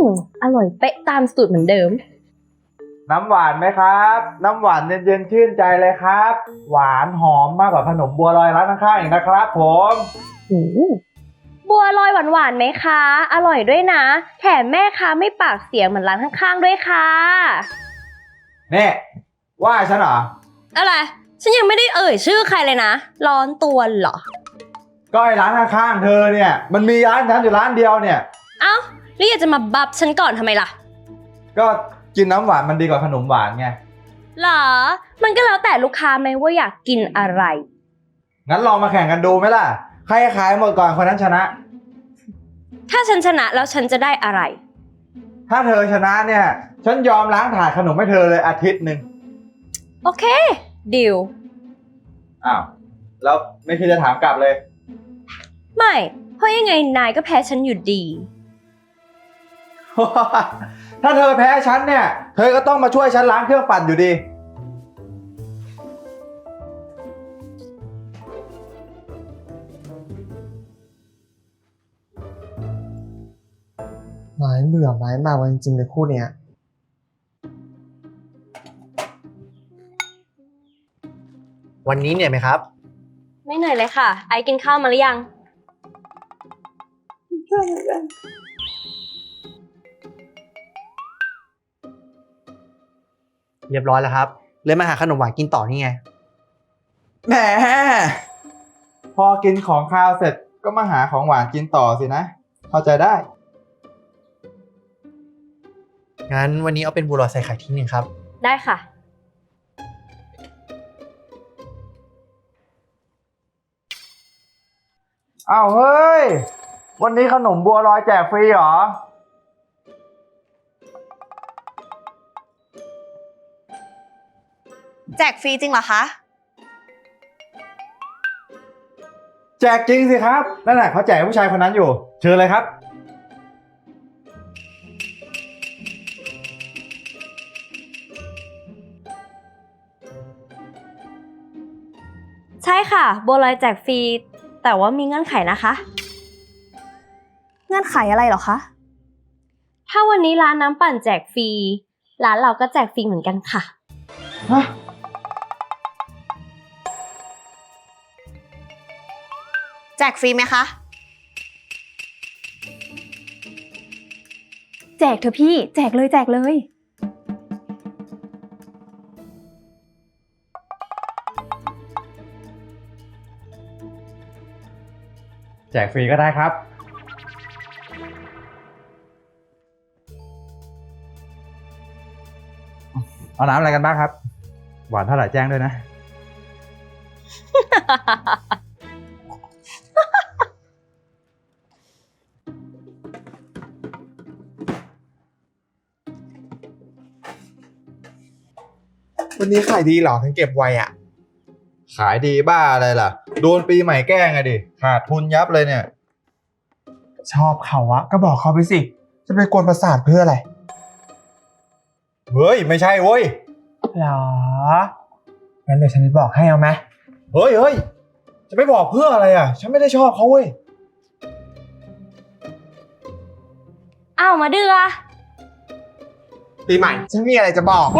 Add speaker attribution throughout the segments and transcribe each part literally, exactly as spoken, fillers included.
Speaker 1: อร่อยเป๊ะตามสูตรเหมือนเดิม
Speaker 2: น้ำหวานไหมครับ น้ำหวานเย็นๆชื่นใจเลยครับ หวานหอมมากกว่าขนมบัวลอยร้านข้างๆอีกนะครับผม
Speaker 1: บัวลอยหวานๆไหมคะ อร่อยด้วยนะ แถมแม่ค้าไม่ปากเสียงเหมือนร้านข้างๆด้วยค่ะ
Speaker 2: เนี่ยว่าฉันเหรอ
Speaker 1: อะไรฉันยังไม่ได้เอ่ยชื่อใครเลยนะร้อนตัวเหรอ
Speaker 2: ก็ไอ้ร้านข้างๆเธอเนี่ยมันมีร้านฉันอยู่ร้านเดียวเนี่ย
Speaker 1: เอ้าแล้วอยากจะมาบับฉันก่อนทำไมล่ะ
Speaker 2: ก็กินน้ำหวานมันดีกว่าขนมหวานไง
Speaker 1: หรอมันก็แล้วแต่ลูกค้าไหมว่าอยากกินอะไร
Speaker 2: งั้นลองมาแข่งกันดูไหมล่ะใครขายหมดก่อนคนนั้นชนะ
Speaker 1: ถ้าฉันชนะแล้วฉันจะได้อะไร
Speaker 2: ถ้าเธอชนะเนี่ยฉันยอมล้างถาดขนมให้เธอเลยอาทิตย์หนึ่ง
Speaker 1: โอเคดิว
Speaker 2: อ้าวแล้วไม่คิดจะถามกลับเลย
Speaker 1: ไม่เพราะยังไงนายก็แพ้ฉันอยู่ดี
Speaker 2: ถ้าเธอแพ้ฉันเนี่ยเธอก็ต้องมาช่วยฉันล้างเครื่องปั่นอยู่ดี
Speaker 3: ไม้เบื่อไม้มากจริงๆเลยคู่เนี้ย
Speaker 4: วันนี้เหนื่อยไหมครับ
Speaker 1: ไม่เหนื่อยเลยค่ะไอกินข้าวมาหรือยัง
Speaker 4: เรียบร้อยแล้วครับเลยมาหาขนมหวานกินต่อนี่ไง
Speaker 2: แหมพอกินของคาวเสร็จก็มาหาของหวานกินต่อสินะเข้าใจได้
Speaker 4: งั้นวันนี้เอาเป็นบัวลอยใส่ไข่ที่หนึ่งครับ
Speaker 1: ได้ค่ะ
Speaker 2: อ้าวเฮ้ยวันนี้ขนมบัวลอยแจกฟรีเหรอ
Speaker 5: แจกฟรีจริงเหรอคะ
Speaker 2: แจกจริงสิครับนั่นแหละเขาแจกผู้ชายคนนั้นอยู่เชิญเลยครับ
Speaker 1: ใช่ค่ะบัวลอยแจกฟรีแต่ว่ามีเงื่อนไขนะคะ
Speaker 5: เงื่อนไขอะไรเหรอคะ
Speaker 1: ถ้าวันนี้ร้านน้ำปั่นแจกฟรีร้านเราก็แจกฟรีเหมือนกันค่ะ
Speaker 2: ฮะ
Speaker 5: แจกฟรีไหมคะ
Speaker 6: แจกเถอะพี่แจกเลยแจกเลย
Speaker 2: แจกฟรีก็ได้ครับเอาน้ำอะไรกันบ้างครับหวานเท่าไหร่แจ้งด้วยนะ
Speaker 3: วันนี้ขายดีเหรอถึงเก็บไวอ่ะ
Speaker 2: ขายดีบ้าอะไรล่ะโดนปีใหม่แกล้งไงดิขาดทุนยับเลยเนี่ย
Speaker 3: ชอบเขาอะก็บอกเขาไปสิจะไปกวนประสาทเพื่ออะไร
Speaker 2: เฮ้ยไม่ใช่เว้ย
Speaker 3: หรองั้นเดี๋ยวฉันจะบอกให้เอาไหม
Speaker 2: เฮ้ยเฮ้ยจะไม่บอกเพื่ออะไรอ่ะฉันไม่ได้ชอบเขาเว้ย
Speaker 1: อ้าวมาเดือ
Speaker 3: ปีใหม่ฉันมีอะไรจะบอก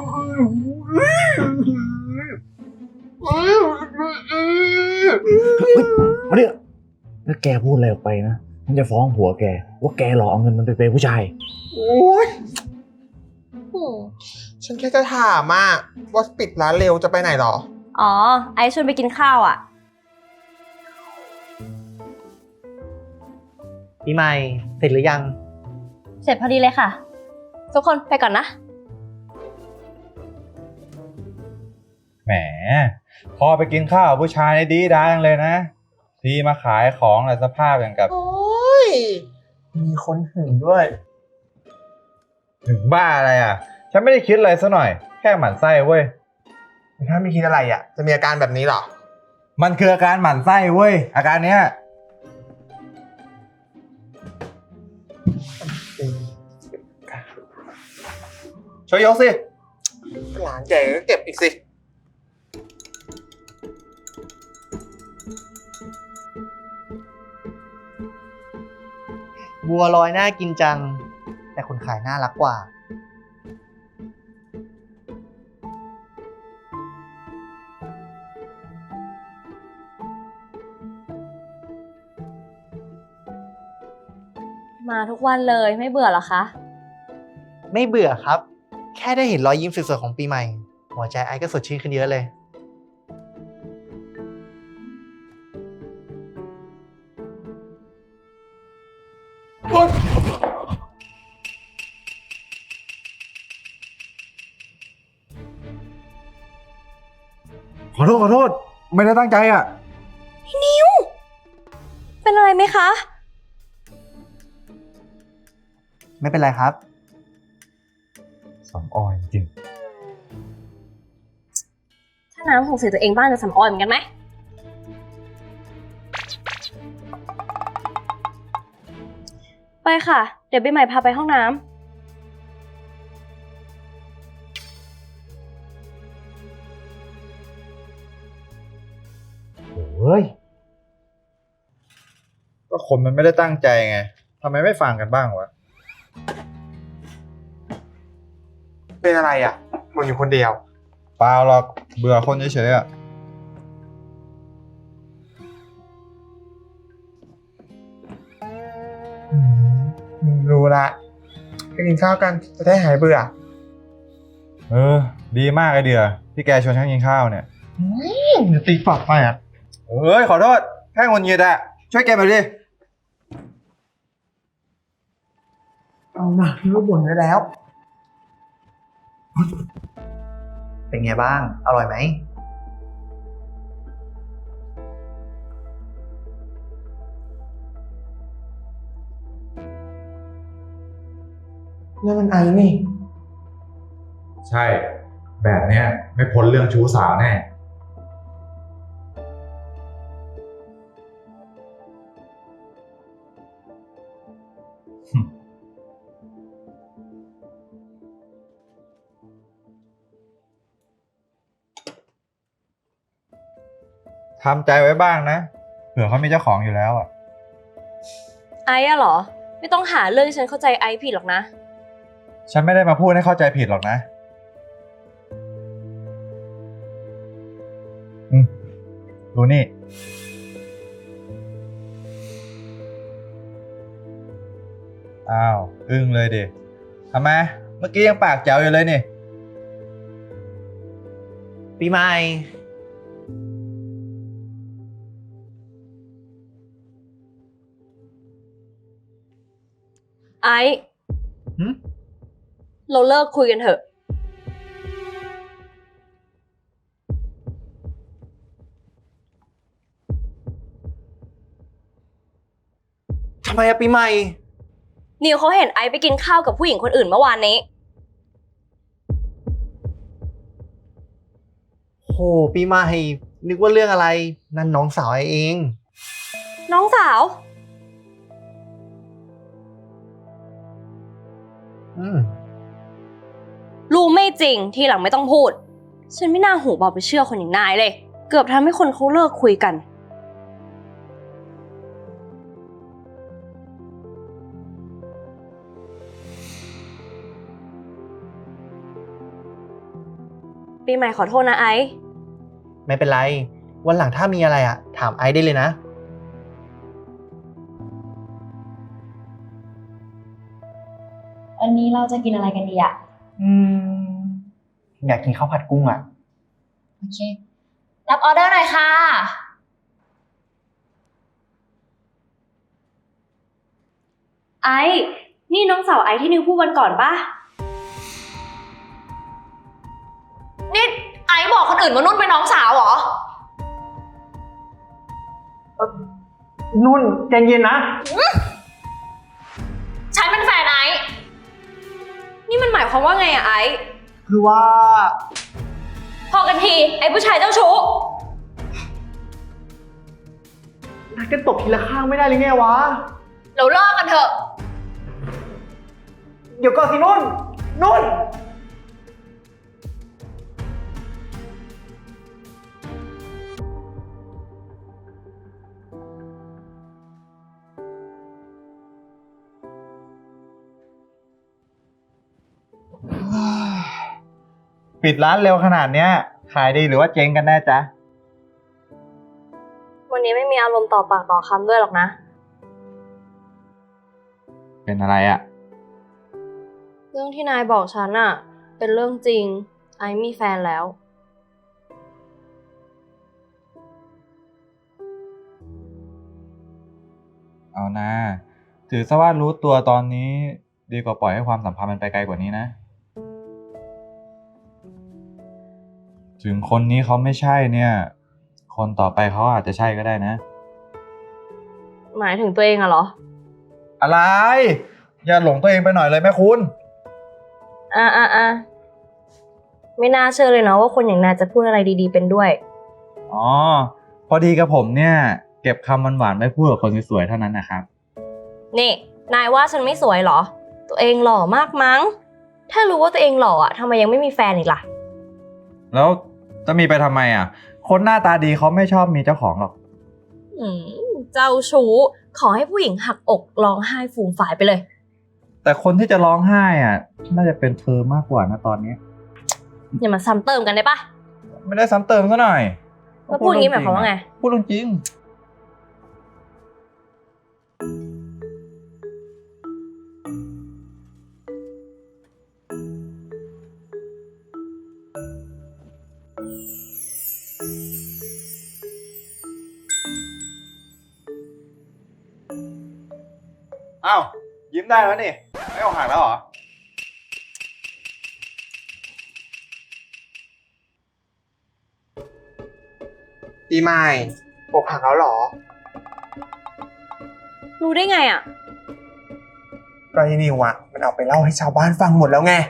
Speaker 7: มาเนี่ยถ้าแกพูดอะไรออกไปนะมันจะฟ้องผัวแกว่าแกหลอกเอาเงินมันไปเป็นผู้ชาย
Speaker 3: โอ๊ยฉันแค่จะถามอ่ะว่าปิดร้านเร็วจะไปไหนหรอ
Speaker 1: อ๋อไอชวนไปกินข้าวอ่ะ
Speaker 4: พี่ใหม่เสร็จหรือยัง
Speaker 1: เสร็จพอดีเลยค่ะทุกคนไปก่อนนะ
Speaker 2: แหมพอไปกินข้าวผู้ชายดีดังเลยนะทีมาขายของอะไรสภาพอย่างกับ
Speaker 3: โอ้ยมีคนหึงด้วย
Speaker 2: ถึงบ้าอะไรอ่ะฉันไม่ได้คิดอะไรซะหน่อยแค่หมั่นไส้เว้ย
Speaker 3: ถ้าไม่คิดอะไรอ่ะจะมีอาการแบบนี้หรอ
Speaker 2: มันคืออาการหมั่นไส้เว้ยอาการเนี้ยช่วยยกสิ
Speaker 3: หลานแกก็เก็บอีกสิ
Speaker 4: บัวลอยน่ากินจังแต่คนขายน่ารักกว่า
Speaker 1: มาทุกวันเลยไม่เบื่อเหรอคะ
Speaker 4: ไม่เบื่อครับ แค่ได้เห็นรอยยิ้มสวยๆของปีใหม่ หัวใจไอซ์ก็สดชื่นขึ้นเยอะเลย
Speaker 2: ขอโทษขอโทษ ไม่ได้ตั้งใจอ่ะ
Speaker 1: เป็นอะไรไหมคะ
Speaker 4: ไม่เป็นไรครับ
Speaker 2: สำออยจริง
Speaker 1: ถ้าน้ำสงสัยตัวเองบ้างจะสำออยเหมือนกันไหม ไปค่ะ เดี๋ยวปีใหม่พาไปห้องน้ำ
Speaker 2: เฮ้ย ก็คนมันไม่ได้ตั้งใจไง ทำไมไม่ฟังกันบ้างวะ
Speaker 3: เป็นอะไรอ่ะมึงอยู่คนเดียว
Speaker 2: เปล่าหรอก เบื่อคนเฉยๆอ่ะ
Speaker 3: อืมรู้ละไปกินข้าวกันจะได้หายเบื่อ
Speaker 2: เออ ดีมากไอเดียที่แกชวนฉันกินข้าวเนี่ย
Speaker 3: เดี๋ยวตีปากไปอ่ะ
Speaker 2: เอ้ย ขอโทษ แค่งนเงียดอะช่วยแกมาดิ
Speaker 3: เอาหนักที่ว่าบ่นได้แล้ว
Speaker 4: เป็นไงบ้าง อร่อยไหม
Speaker 3: นี่มันไอ้นี่
Speaker 2: ใช่ แบบเนี้ยไม่พ้นเรื่องชู้สาวแน่ ทำใจไว้บ้างนะ เผื่อเขามีเจ้าของอยู่แล้วอ่ะ
Speaker 1: ไอ้อะเหรอ ไม่ต้องหาเรื่องให้ฉันเข้าใจไอ้ผิดหรอกนะ
Speaker 2: ฉันไม่ได้มาพูดให้เข้าใจผิดหรอกนะ อืมดูนี่ อ้าว อึ้งเลยดิทำไม เมื่อกี้ยังปากแจ๋วอยู่เลยนี่
Speaker 4: ปีใหม่
Speaker 1: ไอ้
Speaker 4: หึ
Speaker 1: เราเลิกคุยกันเถอะ
Speaker 4: ทำไมอะปีใหม่
Speaker 1: นิวเขาเห็นไอซ์ไปกินข้าวกับผู้หญิงคนอื่นเมื่อวานนี้
Speaker 4: โห ปีใหม่ นึกว่าเรื่องอะไร นั่นน้องสาวไอเอง
Speaker 1: น้องสาว
Speaker 4: อืม
Speaker 1: รู้ไม่จริงทีหลังไม่ต้องพูด ฉันไม่น่าหูเบาไปเชื่อคนอย่างนายเลย เกือบทำให้คนเขาเลิกคุยกัน ปีใหม่ขอโทษนะไอซ์
Speaker 4: ไม่เป็นไร วันหลังถ้ามีอะไรอะถามไอซ์ได้เลยนะ
Speaker 6: วันนี้เราจะกินอะไรกันดีอะ
Speaker 4: อืม อยากกินข้าวผัดกุ้งอะ
Speaker 6: โอเค รับออเดอร์หน่อยค่ะ
Speaker 1: ไอซ์นี่น้องสาวไอซ์ที่นิวพูดวันก่อนปะ
Speaker 5: นี่ไอ้บอกคนอื่นว่านุ่นเป็นน้องสาวเหรอ
Speaker 4: นุ่นใจเย็นนะ
Speaker 5: ฉันเป็นแฟนไอ้
Speaker 1: นี่มันหมายความว่าไงอะไอซ์
Speaker 4: คือว่า
Speaker 1: พอกันทีไอ้ผู้ชายเจ้าชู้
Speaker 4: นักจะตบทีละข้างไม่ได้เลยไงวะ
Speaker 5: เราเลิกกันเถอะ
Speaker 4: เดี๋ยวก่อนสินุ่น นุ่น
Speaker 2: ปิดร้านเร็วขนาดเนี้ย ขายดีหรือว่าเจ๊งกันแน่จ๊ะ
Speaker 1: วันนี้ไม่มีอารมณ์ต่อปากต่อคำด้วยหรอกนะ
Speaker 2: เป็นอะไรอะ
Speaker 1: เรื่องที่นายบอกฉันอะเป็นเรื่องจริง ไอซ์มีแฟนแล้ว
Speaker 2: เอานะถือซะว่ารู้ตัวตอนนี้ดีกว่าปล่อยให้ความสัมพันธ์มันไปไกลกว่านี้นะ ถึงคนนี้เขาไม่ใช่เนี่ย คนต่อไปเขาอาจจะใช่ก็ได้นะ
Speaker 1: หมายถึงตัวเองอะเหรอ
Speaker 2: อะไร อย่าหลงตัวเองไปหน่อยเลยแม่คุณ
Speaker 1: อ่ะอ่ะอ่ะไม่น่าเชื่อเลยเนาะว่าคนอย่างนายจะพูดอะไรดีๆเป็นด้วย
Speaker 2: อ๋อ พอดีกับผมเนี่ย เก็บคำหวานๆไม่พูดกับคนสวยๆเท่านั้นนะครับ
Speaker 1: นี่ นายว่าฉันไม่สวยเหรอ ตัวเองหล่อมากมั้ง ถ้ารู้ว่าตัวเองหล่ออะทำไมยังไม่มีแฟนอีกล่ะ
Speaker 2: แล้วจะมีไปทำไมอ่ะ คนหน้าตาดีเขาไม่ชอบมีเจ้าของหรอก
Speaker 1: อืมเจ้าชู้ ขอให้ผู้หญิงหักอกร้องไห้ฟูมฝ่ายไปเลย
Speaker 2: แต่คนที่จะร้องไห้อ่ะ น่าจะเป็นเธอมากกว่านะตอนนี้
Speaker 1: อย่ามาซ้ำเติมกันได้ปะ
Speaker 2: ไม่ได้ซ้ำเติมซะหน่อย
Speaker 1: แล้วพูดอย่างนี้หมายความว่าไง
Speaker 2: พูดเรื่องจริง อ้าว ยิ้มได้แล้วนี่ ไม่ออกหักแล้วเหรอ
Speaker 3: ปีใหม่อกหักแล้วเหรอ
Speaker 1: รู้ได้ไงอะ
Speaker 3: ก็ไอ้นิวอะมันเอาไปเล่าให้ชาวบ้านฟังหมดแล้วไง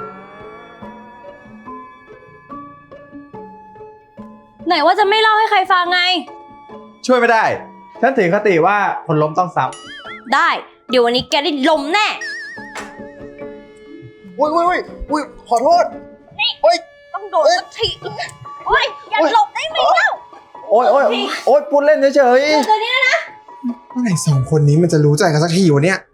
Speaker 1: ไหนว่าจะไม่เล่าให้ใครฟังไง
Speaker 2: ช่วยไม่ได้ ฉันถือคติว่าคนล้มต้องซ้
Speaker 1: ได้ เดี๋ยววันนี้แกได้ลมแน่
Speaker 3: อุ้ยอุ้ยอุ้ยอุ้ยขอโทษ
Speaker 1: ต้องโดนสักทีโอ้ยอย่าหลบได้ไหมเล่า
Speaker 2: ำโอ้ยโอ้ยโอ้ยพูดเล่นเฉย
Speaker 3: เมื่อไหร่สองคนนี้มันจะรู้ใจกันสักทีวะเนี่ย